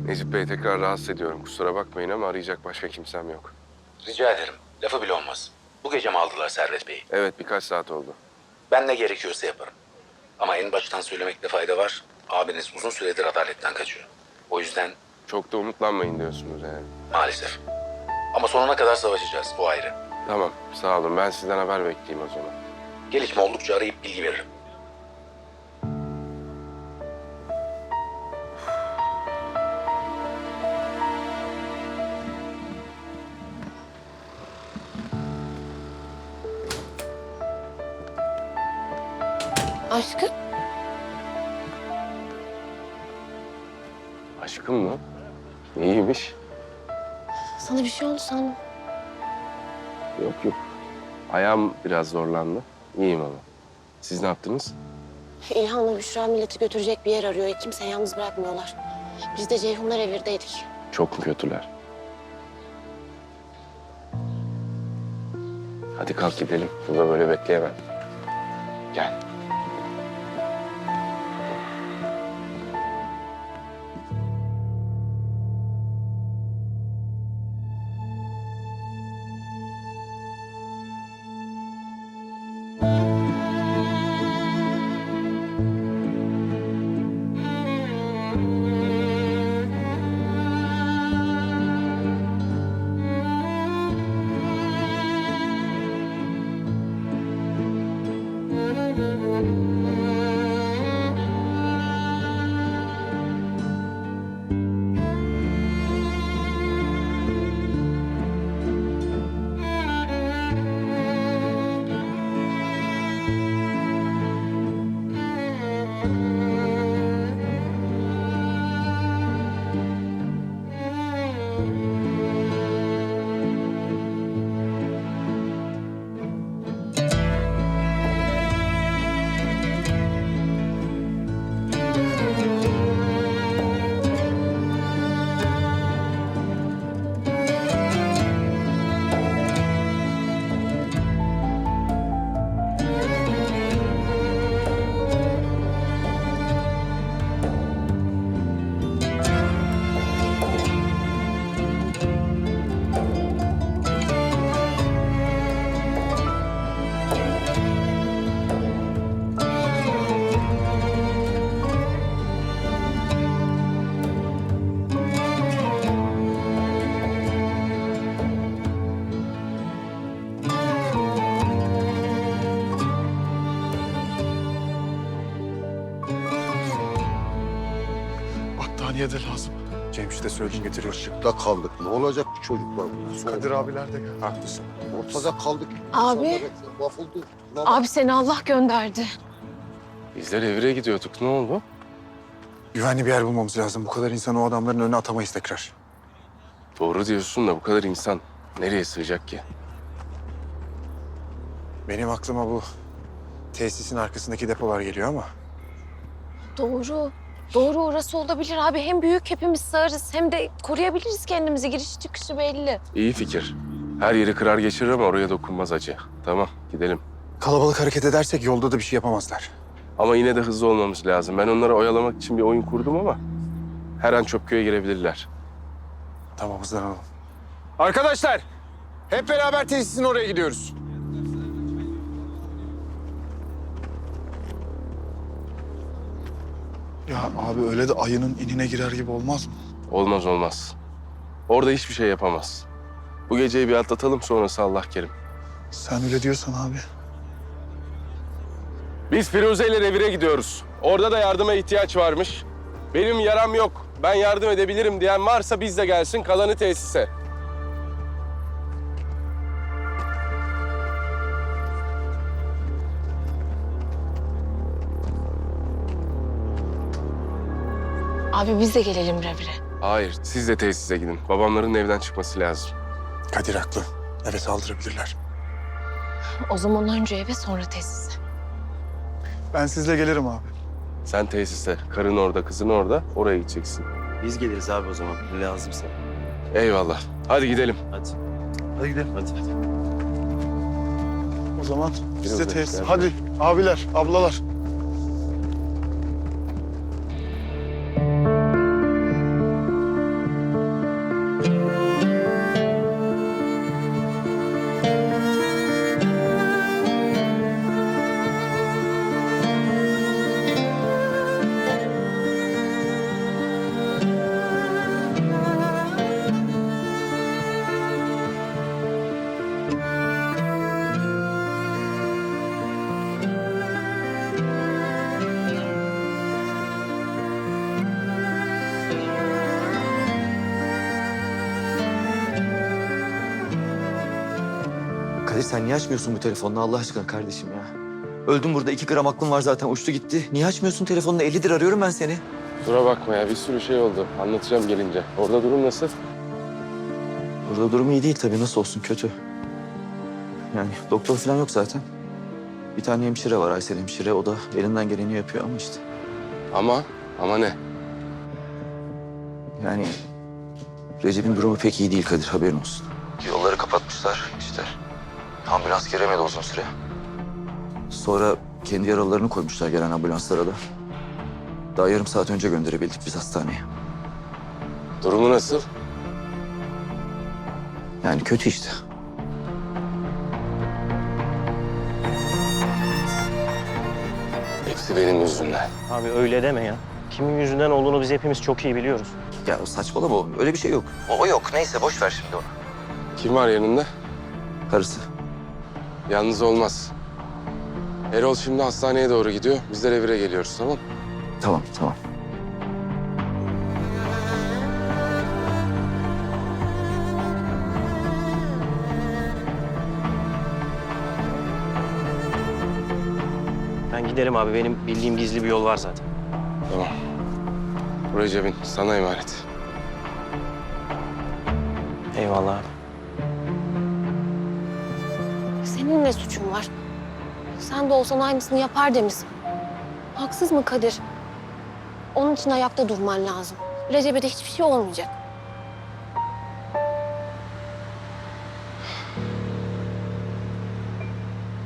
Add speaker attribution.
Speaker 1: Necip Bey, tekrar rahatsız ediyorum. Kusura bakmayın ama arayacak başka kimsem yok.
Speaker 2: Rica ederim. Lafı bile olmaz. Bu gece mi aldılar Servet Bey'i?
Speaker 1: Evet, birkaç saat oldu.
Speaker 2: Ben ne gerekiyorsa yaparım. Ama en baştan söylemekte fayda var. Abiniz uzun süredir adaletten kaçıyor. O yüzden
Speaker 1: Çok da umutlanmayın diyorsunuz yani.
Speaker 2: maalesef. Ama sonuna kadar savaşacağız. O ayrı.
Speaker 1: Tamam, sağ olun. Ben sizden haber bekleyeyim o zaman.
Speaker 2: Gelişme oldukça arayıp bilgi veririm.
Speaker 3: Aşkım,
Speaker 1: Aşkım mı? İyiymiş.
Speaker 3: sana bir şey oldu sandım.
Speaker 1: Yok yok. Ayağım biraz zorlandı. İyiyim ama. Siz ne yaptınız?
Speaker 3: İlhan'la Büşra milleti götürecek bir yer arıyor. Kimseyi yalnız bırakmıyorlar. Biz de Ceyhunlar Evir'deydik.
Speaker 1: Çok mu kötüler? Hadi kalk gidelim. Burada böyle bekleyemem. Gel.
Speaker 4: Battaniye de lazım. Cemşit'e söyledim getiriyor.
Speaker 5: Işıkta kaldık. Ne olacak bu çocuklar?
Speaker 4: Kadir abiler de gel. Haklısın.
Speaker 5: Ortada kaldık.
Speaker 3: Abi.
Speaker 5: İnsanlar mahvoldu.
Speaker 3: Abi seni Allah gönderdi.
Speaker 1: Bizler evire gidiyorduk. Ne oldu?
Speaker 4: Güvenli bir yer bulmamız lazım. Bu kadar insanı o adamların önüne atamayız tekrar.
Speaker 1: Doğru diyorsun da bu kadar insan nereye sığacak ki?
Speaker 4: Benim aklıma bu tesisin arkasındaki depolar geliyor ama
Speaker 3: Doğru. Doğru orası olabilir abi. Hem büyük hepimiz sığarız hem de koruyabiliriz kendimizi. Girişi çıkışı belli.
Speaker 1: İyi fikir. Her yeri kırar geçirir ama oraya dokunmaz acı. Tamam, gidelim.
Speaker 4: kalabalık hareket edersek yolda da bir şey yapamazlar.
Speaker 1: Ama yine de hızlı olmamız lazım. Ben onları oyalamak için bir oyun kurdum ama her an Çöpköy'e girebilirler.
Speaker 4: Tamam, hızlanalım. Arkadaşlar, hep beraber tesisin oraya gidiyoruz.
Speaker 6: Ya abi öyle de ayının inine girer gibi olmaz mı?
Speaker 1: Olmaz olmaz. Orada hiçbir şey yapamaz. Bu geceyi bir atlatalım, sonrası Allah kerim.
Speaker 6: Sen öyle diyorsan abi.
Speaker 1: Biz Firuze ile revire gidiyoruz. Orada da yardıma ihtiyaç varmış. Benim yaram yok, ben yardım edebilirim diyen varsa biz de gelsin, kalanı tesise.
Speaker 3: Abi biz de gelelim revire.
Speaker 1: Hayır, siz de tesise gidin. Babamların evden çıkması lazım.
Speaker 4: Kadir haklı. Evet, saldırabilirler.
Speaker 3: O zaman önce eve sonra tesise.
Speaker 6: Ben sizle gelirim abi.
Speaker 1: Sen tesise, karın orada, kızın orada, oraya gideceksin.
Speaker 7: Biz geliriz abi o zaman. Ne lazımsa.
Speaker 1: Eyvallah. Hadi gidelim.
Speaker 7: Hadi.
Speaker 6: Hadi gidelim.
Speaker 7: Hadi.
Speaker 6: O zaman biz de
Speaker 1: Biraz
Speaker 6: tesis.
Speaker 1: bekler.
Speaker 6: Hadi abiler, ablalar.
Speaker 8: Kadir sen niye açmıyorsun bu telefonunu Allah aşkına kardeşim ya? Öldüm burada 2 gram aklım var zaten uçtu gitti. Niye açmıyorsun telefonunu? 50'dir arıyorum ben seni.
Speaker 1: Kusura bakma ya, bir sürü şey oldu. Anlatacağım gelince. Orada durum nasıl?
Speaker 8: Burada durum iyi değil tabii nasıl olsun kötü. Yani doktor falan yok zaten. Bir tane hemşire var Aysel hemşire. O da elinden geleni yapıyor ama işte.
Speaker 1: Ama ne?
Speaker 8: Yani Recep'in durumu pek iyi değil Kadir haberin olsun. Yolları kapatmışlar işte. Ambulans giremedi uzun süre. Sonra kendi yaralılarını koymuşlar gelen ambulanslara da. Daha yarım saat önce gönderebildik biz hastaneye.
Speaker 1: Durumu nasıl?
Speaker 8: Yani kötü işte.
Speaker 1: Hepsi benim yüzümden.
Speaker 7: Abi öyle deme ya. Kimin yüzünden olduğunu biz hepimiz çok iyi biliyoruz.
Speaker 8: Ya saçmalama oğlum öyle bir şey yok. O yok neyse boş ver şimdi onu.
Speaker 1: Kim var yanında?
Speaker 8: Karısı.
Speaker 1: Yalnız olmaz. Erol şimdi hastaneye doğru gidiyor. Biz de revire geliyoruz, tamam mı?
Speaker 8: Tamam.
Speaker 7: Ben giderim abi. Benim bildiğim gizli bir yol var zaten.
Speaker 1: Tamam. Bu Recep'in sana emanet.
Speaker 7: Eyvallah abi.
Speaker 3: Senin ne suçun var? Sen de olsan aynısını yapar demişsin. Haksız mı Kadir? Onun için ayakta durman lazım. Recep'e de hiçbir şey olmayacak.